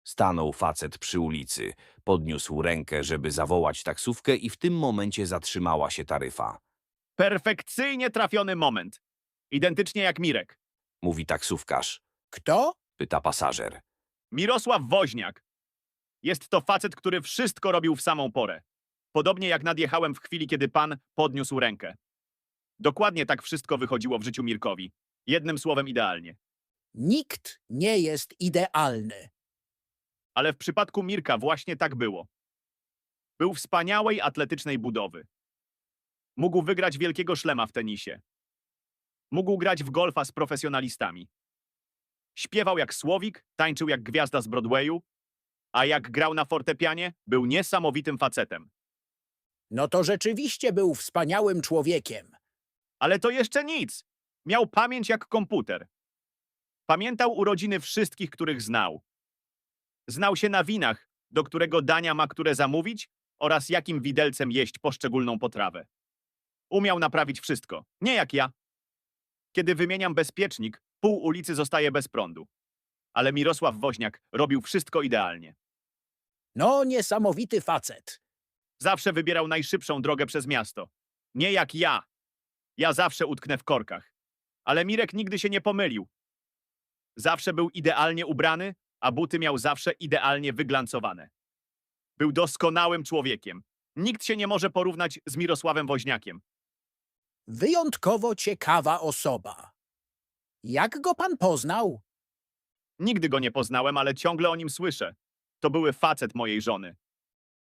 Stanął facet przy ulicy, podniósł rękę, żeby zawołać taksówkę i w tym momencie zatrzymała się taryfa. Perfekcyjnie trafiony moment. Identycznie jak Mirek. Mówi taksówkarz. Kto? Pyta pasażer. Mirosław Woźniak. Jest to facet, który wszystko robił w samą porę. Podobnie jak nadjechałem w chwili, kiedy pan podniósł rękę. Dokładnie tak wszystko wychodziło w życiu Mirkowi. Jednym słowem idealnie. Nikt nie jest idealny. Ale w przypadku Mirka właśnie tak było. Był wspaniałej, atletycznej budowy. Mógł wygrać wielkiego szlema w tenisie. Mógł grać w golfa z profesjonalistami. Śpiewał jak Słowik, tańczył jak gwiazda z Broadwayu, a jak grał na fortepianie, był niesamowitym facetem. No to rzeczywiście był wspaniałym człowiekiem. Ale to jeszcze nic. Miał pamięć jak komputer. Pamiętał urodziny wszystkich, których znał. Znał się na winach, do którego dania ma które zamówić oraz jakim widelcem jeść poszczególną potrawę. Umiał naprawić wszystko, nie jak ja. Kiedy wymieniam bezpiecznik, pół ulicy zostaje bez prądu. Ale Mirosław Woźniak robił wszystko idealnie. No, niesamowity facet. Zawsze wybierał najszybszą drogę przez miasto. Nie jak ja. Ja zawsze utknę w korkach. Ale Mirek nigdy się nie pomylił. Zawsze był idealnie ubrany, a buty miał zawsze idealnie wyglancowane. Był doskonałym człowiekiem. Nikt się nie może porównać z Mirosławem Woźniakiem. Wyjątkowo ciekawa osoba. Jak go pan poznał? Nigdy go nie poznałem, ale ciągle o nim słyszę. To były facet mojej żony.